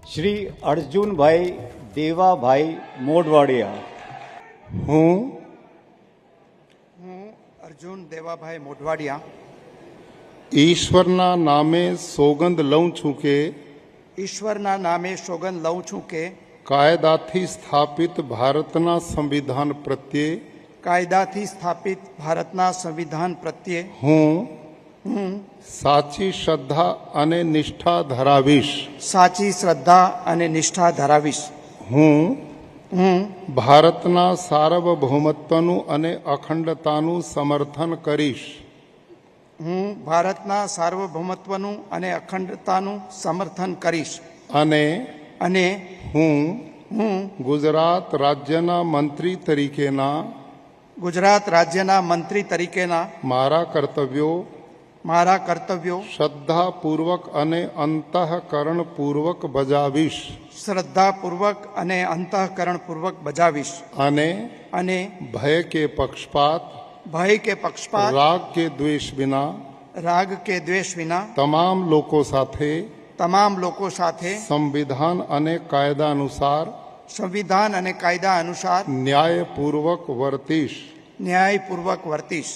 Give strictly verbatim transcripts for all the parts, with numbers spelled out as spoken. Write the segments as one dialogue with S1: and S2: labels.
S1: શ્રી અર્જુનભાઈ દેવાભાઈ મોઢવાડિયા.
S2: હું
S3: હું અર્જુન દેવાભાઈ મોઢવાડિયા
S2: ઈશ્વરના નામે સોગંદ લઉં છું કે
S3: ઈશ્વરના નામે સોગંદ લઉં છું કે
S2: કાયદાથી સ્થાપિત ભારતના સંવિધાન પ્રત્યે
S3: કાયદાથી સ્થાપિત ભારતના સંવિધાન પ્રત્યે
S2: હું
S3: હું
S2: સાચી શ્રદ્ધા અને નિષ્ઠા ધરાવીશ.
S3: સાચી શ્રદ્ધા અને નિષ્ઠા ધરાવીશ.
S2: હું
S3: હું
S2: ભારતના સાર્વભૌમત્વનું અને અખંડતાનું સમર્થન કરીશ.
S3: હું ભારતના સાર્વભૌમત્વનું અને અખંડતાનું સમર્થન કરીશ.
S2: અને
S3: અને
S2: હું
S3: હું
S2: ગુજરાત રાજ્યના મંત્રી તરીકેના
S3: ગુજરાત રાજ્યના મંત્રી તરીકેના
S2: મારા કર્તવ્યો
S3: મારા કર્તવ્યો
S2: શ્રદ્ધાપૂર્વક અને અંતઃકરણપૂર્વક બજાવીશ.
S3: શ્રદ્ધાપૂર્વક અને અંતઃકરણપૂર્વક બજાવીશ.
S2: અને
S3: અને
S2: ભય કે પક્ષપાત
S3: ભય કે પક્ષપાત
S2: રાગ કે દ્વેષ વિના
S3: રાગ કે દ્વેષ વિના
S2: તમામ લોકો સાથે
S3: તમામ લોકો સાથે
S2: સંવિધાન અને કાયદા અનુસાર
S3: સંવિધાન અને કાયદા અનુસાર
S2: ન્યાયપૂર્વક વર્તીશ.
S3: ન્યાયપૂર્વક વર્તીશ.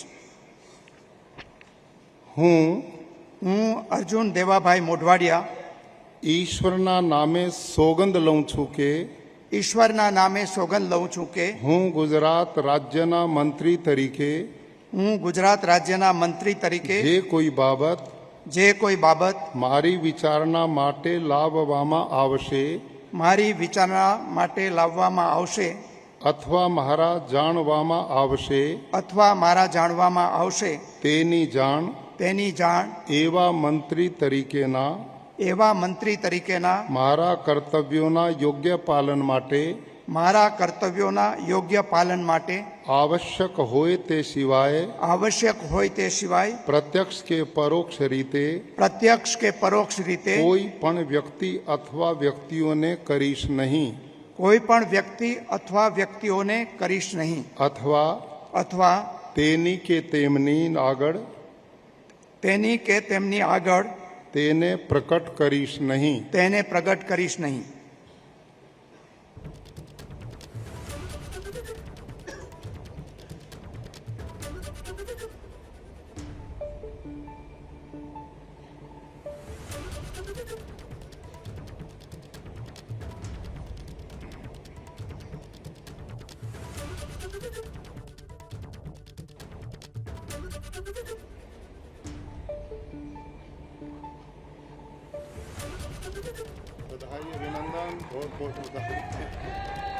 S2: હું
S3: હું અર્જુન દેવાભાઈ મોઢવાડિયા
S2: ઈશ્વરના નામે સોગંદ લઉં છું કે
S3: ઈશ્વરના નામે સોગંદ લઉં છું કે
S2: હું ગુજરાત રાજ્યના મંત્રી તરીકે
S3: હું ગુજરાત રાજ્યના મંત્રી તરીકે
S2: જે કોઈ બાબત
S3: જે કોઈ બાબત
S2: મારી વિચારણા માટે લાવવામાં આવશે
S3: મારી વિચારણા માટે લાવવામાં આવશે
S2: અથવા મારા જાણવામાં આવશે
S3: અથવા મારા જાણવામાં આવશે
S2: તેની જાણ
S3: તેની જાણ
S2: એવા મંત્રી તરીકેના
S3: એવા મંત્રી તરીકેના
S2: મારા કર્તવ્યોના યોગ્ય પાલન માટે
S3: મારા કર્તવ્યોના યોગ્ય પાલન માટે
S2: આવશ્યક હોય તે સિવાય
S3: આવશ્યક હોય તે સિવાય
S2: પ્રત્યક્ષ કે પરોક્ષ રીતે
S3: પ્રત્યક્ષ કે પરોક્ષ રીતે
S2: કોઈ પણ વ્યક્તિ અથવા વ્યક્તિઓને કરીશ નહીં
S3: કોઈ પણ વ્યક્તિ અથવા વ્યક્તિઓને કરીશ નહીં
S2: અથવા
S3: અથવા
S2: તેની કે તેમની આગળ
S3: તેની કે તેમની આગળ
S2: તેને પ્રકટ કરીશ નહીં.
S3: તેને પ્રગટ કરીશ નહીં.
S2: बधाई अभिनंदन बहुत बहुत बधाई.